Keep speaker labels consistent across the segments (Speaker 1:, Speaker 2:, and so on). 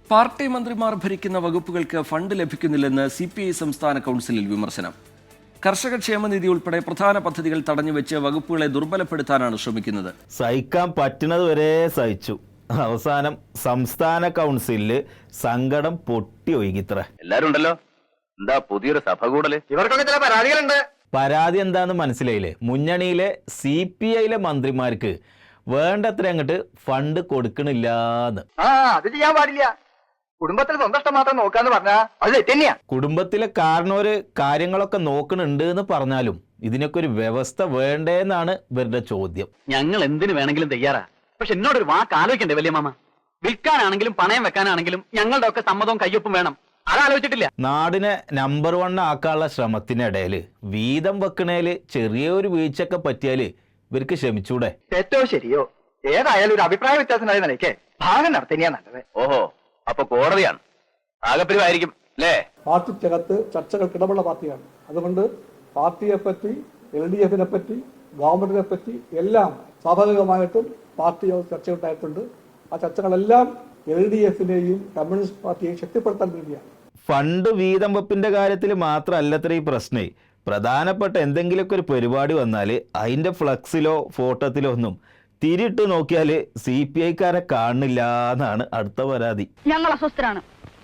Speaker 1: Party മന്ത്രിമാർ ഭരിക്കുന്ന വകുപ്പുകൾക്ക് ഫണ്ട് ലഭിക്കുന്നില്ലെന്ന് CPI സംസ്ഥാന കൗൺസിലിൽ വിമർശനം. കർഷക ക്ഷേമനിധി ഉൾപ്പെടെ പ്രധാന പദ്ധതികൾ തടഞ്ഞുവെച്ച് വകുപ്പുകളെ ദുർബലപ്പെടുത്താനാണ് ശ്രമിക്കുന്നത്.
Speaker 2: സഹിക്കാൻ പറ്റുന്നത് വരെ സഹിച്ചു. അവസാനം സംസ്ഥാന കൗൺസിലിൽ സങ്കടം പൊട്ടി ഒഴുകിത്ര.
Speaker 3: എല്ലാരും ഉണ്ടല്ലോ. എന്താ പുതിയൊരു സഭ കൂടല്?
Speaker 4: ഇവർക്കൊക്കെ ചില പരാതികളുണ്ട്.
Speaker 2: പരാതി എന്താന്ന് മനസ്സിലായില്ലേ? മുന്നണിയിലെ CPIയിലെ മന്ത്രിമാർക്ക് വേണ്ടത്ര അങ്ങോട്ട് ഫണ്ട് കൊടുക്കണില്ലാന്ന്.
Speaker 4: അത് ചെയ്യാൻ പാടില്ല. കുടുംബത്തിൽ സ്വന്തം ഇഷ്ടം മാത്രം നോക്കാന്ന് പറഞ്ഞാ അത് തെറ്റന്നെയാ.
Speaker 2: കുടുംബത്തിലെ കാരണവര് കാര്യങ്ങളൊക്കെ നോക്കണുണ്ട് എന്ന് പറഞ്ഞാലും ഇതിനൊക്കെ ഒരു വ്യവസ്ഥ വേണ്ടേന്നാണ് ഇവരുടെ ചോദ്യം.
Speaker 3: ഞങ്ങൾ എന്തിനു വേണമെങ്കിലും തയ്യാറാ. പക്ഷെ എന്നോടൊരു വാക്ക് ആലോചിക്കണ്ടേ വലിയ മാമ? വിൽക്കാനാണെങ്കിലും പണയം വെക്കാനാണെങ്കിലും ഞങ്ങളുടെ ഒക്കെ സമ്മതവും കയ്യൊപ്പും വേണം. അതാലോചിച്ചിട്ടില്ല.
Speaker 2: നാടിനെ നമ്പർ 1 ആക്കാനുള്ള ശ്രമത്തിനിടയിൽ വീതം വെക്കണേല് ചെറിയൊരു വീഴ്ചയൊക്കെ പറ്റിയാല് ഇവർക്ക് ക്ഷമിച്ചൂടെ?
Speaker 4: തെറ്റോ ശരിയോ ഏതായാലും ഒരു അഭിപ്രായ വ്യത്യാസമായ നിലയ്ക്ക് ഭാഗം നടത്തന്നെയാ നല്ലത്.
Speaker 3: ഓഹോ, അപ്പൊ കോടതിയാണ് ആകപ്പിരിവായിരിക്കും അല്ലേ?
Speaker 5: പാർട്ടിക്കകത്ത് ചർച്ചകൾക്കിടമുള്ള പാർട്ടിയാണ്. അതുകൊണ്ട് പാർട്ടിയെ പറ്റി, LDFനെ പറ്റി, ഗവൺമെന്റിനെ പറ്റി എല്ലാം സ്വാഭാവികമായിട്ടും പാർട്ടി ചർച്ചയുണ്ടായിട്ടുണ്ട്. ആ ചർച്ചകളെല്ലാം LDFനെയും കമ്മ്യൂണിസ്റ്റ് പാർട്ടിയെയും ശക്തിപ്പെടുത്താൻ വേണ്ടിയാണ്.
Speaker 2: ഫണ്ട് വീതം വെപ്പിന്റെ കാര്യത്തിൽ മാത്രമല്ലത്ര ഈ പ്രശ്നേ. പ്രധാനപ്പെട്ട എന്തെങ്കിലുമൊക്കെ ഒരു പരിപാടി വന്നാൽ അതിന്റെ ഫ്ലക്സിലോ ഫോട്ടോത്തിലോ ഒന്നും തിരിട്ട് നോക്കിയാൽ CPIക്കാരെ കാണില്ല എന്നാണ് അടുത്ത പരാതി.
Speaker 6: ഞങ്ങൾ അസ്വസ്ഥരാണ്.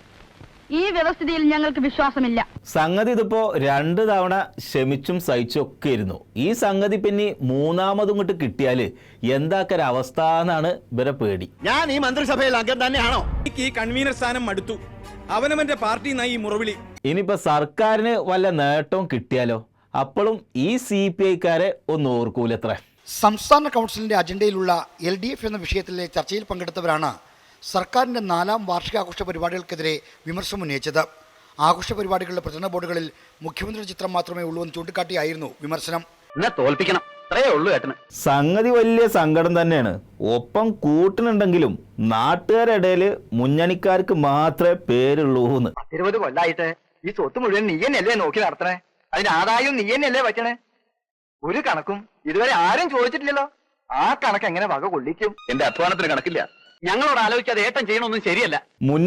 Speaker 6: ഈ വ്യവസ്ഥിതിയിൽ ഞങ്ങൾക്ക് വിശ്വാസമില്ല.
Speaker 2: സംഗതി ഇതിപ്പോ 2 തവണ ക്ഷമിച്ചും സഹിച്ചും ഒക്കെ ഇരുന്നു. ഈ സംഗതി പിന്നെ മൂന്നാമതും ഇങ്ങോട്ട് കിട്ടിയാല് എന്താക്കൊരവസ്ഥ എന്നാണ് ഇവരെ പേടി.
Speaker 7: ഞാൻ ഈ മന്ത്രിസഭയിൽ അംഗം തന്നെയാണോ?
Speaker 8: ഈ കൺവീനർ സ്ഥാനം മടുത്തു. അവനവന്റെ പാർട്ടി ഈ മുറവിളി.
Speaker 2: ഇനിയിപ്പോ സർക്കാരിന് വല്ല നേട്ടവും കിട്ടിയാലോ? അപ്പോഴും ഈ CPIക്കാരെ ഒന്ന് ഓർക്കൂലത്ര.
Speaker 9: സംസ്ഥാന കൗൺസിലിന്റെ അജണ്ടയിലുള്ള LDF എന്ന വിഷയത്തിലെ ചർച്ചയിൽ പങ്കെടുത്തവരാണ് സർക്കാരിന്റെ 4ാം വാർഷികാഘോഷ പരിപാടികൾക്കെതിരെ വിമർശനം ഉന്നയിച്ചത്. ആഘോഷ പരിപാടികളുടെ പ്രചരണ ബോർഡുകളിൽ മുഖ്യമന്ത്രിയുടെ ചിത്രം മാത്രമേ ഉള്ളൂ എന്ന് ചൂണ്ടിക്കാട്ടിയായിരുന്നു വിമർശനം.
Speaker 3: തോൽപ്പിക്കണം, അത്രയേ ഉള്ളൂ ഏട്ടന്.
Speaker 2: സംഗതി വലിയ സങ്കടം തന്നെയാണ്. ഒപ്പം കൂട്ടിനുണ്ടെങ്കിലും നാട്ടുകാരിടയിൽ മുന്നണിക്കാർക്ക് മാത്രമേ പേരുള്ളൂന്ന്.
Speaker 4: 20 കൊല്ലായിട്ട് ഈ സ്വത്ത് മുഴുവൻ നീ തന്നെയല്ലേ നോക്കി നടത്തണേ? അതിന് ആദായം നീ തന്നെയല്ലേ വയ്ക്കണേ? ഒരു കണക്കും ഇതുവരെ ആരും ചോദിച്ചിട്ടില്ലല്ലോ. ആ കണക്ക് എങ്ങനെ വക കൊള്ളിക്കും?
Speaker 3: എന്റെ അധ്വാനത്തിന് കണക്കില്ല. ഞങ്ങളോട് ആലോചിക്കാതെ ഏട്ടൻ ചെയ്യണമൊന്നും ശരിയല്ല.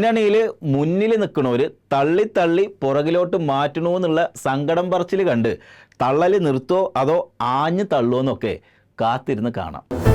Speaker 2: മുന്നിൽ നിൽക്കണവര് തള്ളി തള്ളി പുറകിലോട്ട് മാറ്റണമെന്നുള്ള സങ്കടം പറച്ചിൽ കണ്ട് തള്ളല് നിർത്തോ അതോ ആഞ്ഞു തള്ളുവെന്നൊക്കെ കാത്തിരുന്ന് കാണാം.